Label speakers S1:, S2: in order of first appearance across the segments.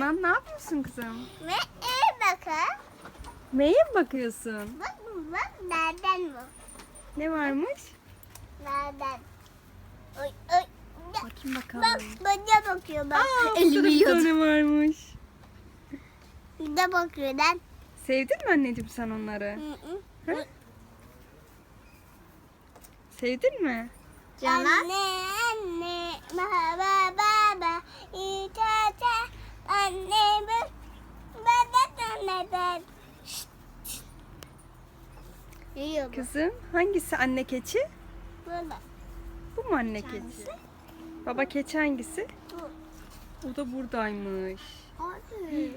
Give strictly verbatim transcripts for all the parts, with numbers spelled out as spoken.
S1: Canan ne yapıyorsun kızım?
S2: Ve iyi bakın.
S1: Neye mi bakıyorsun?
S2: Bak bak nereden bu?
S1: Ne varmış?
S2: Nereden? Oy oy.
S1: Bakayım bakalım.
S2: Bak bana bakıyor bak.
S1: Aa,
S2: Elimi
S1: burada bir
S2: yiyordu.
S1: tane varmış.
S2: Bir de bakıyor lan.
S1: Sevdin mi anneciğim sen onları?
S2: Hı hı.
S1: Hı? Sevdin mi?
S2: Canan. Anne anne baba baba itata anne bu baba anne ben. Yiyor bu.
S1: Kızım hangisi anne keçi?
S2: Burada.
S1: Bu mu anne keçi? Baba keçi hangisi?
S2: Bu.
S1: O da buradaymış.
S2: Abi.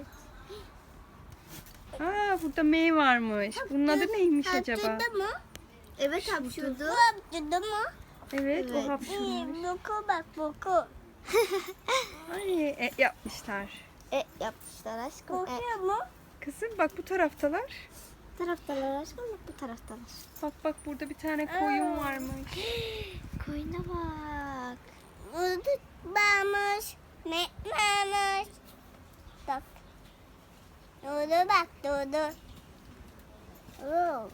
S1: Aa burada mey varmış. Bunun adı neymiş acaba?
S2: Hapşırdı mı? Evet hapşırdı. Bu hapşırdı mı?
S1: Evet,
S2: Evet.
S1: o hapşırmış.
S2: Boku bak boku.
S1: Ay e, yapmışlar.
S2: E yapmışlar aşkım. Kokuyor mu?
S1: Kızım bak bu taraftalar.
S2: Bu taraftalar aşkım bak bu taraftalar.
S1: Bak bak burada bir tane koyun varmış.
S2: Koyuna bak. Burada varmış. Ne varmış? Bak. Doğru bak doğru. Oo.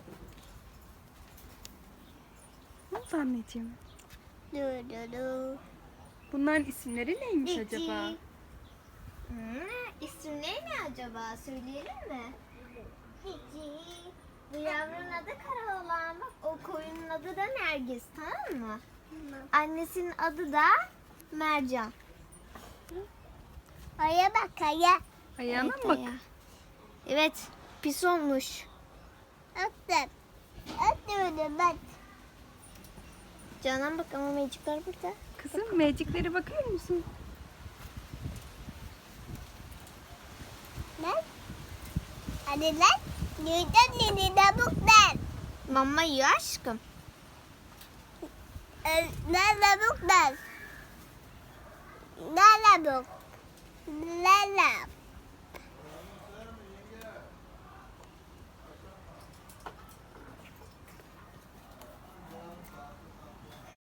S1: Ne oldu anneciğim?
S2: Dur dur dur.
S1: Bunların isimleri neymiş acaba?
S3: Hmm, isimleri ne acaba? Söyleyelim mi? Peki. Bu yavrunun adı Karaoğlan. Bak o koyunun adı da Nergis, tamam mı? Annesinin adı da Mercan.
S2: Aya bak aya.
S1: Ayağına
S3: Evet,
S1: mı bak?
S3: ayağı. Evet, pis olmuş.
S2: Attım. Attım bak.
S3: Canan bak ama mecikler burada.
S1: Kızım meciklere bakıyor musun?
S2: Lan. Hadi lan. Neden nini dabuk lan.
S3: Mama yiyor aşkım.
S2: Ne dabuk lan. Ne dabuk. Ne dabuk.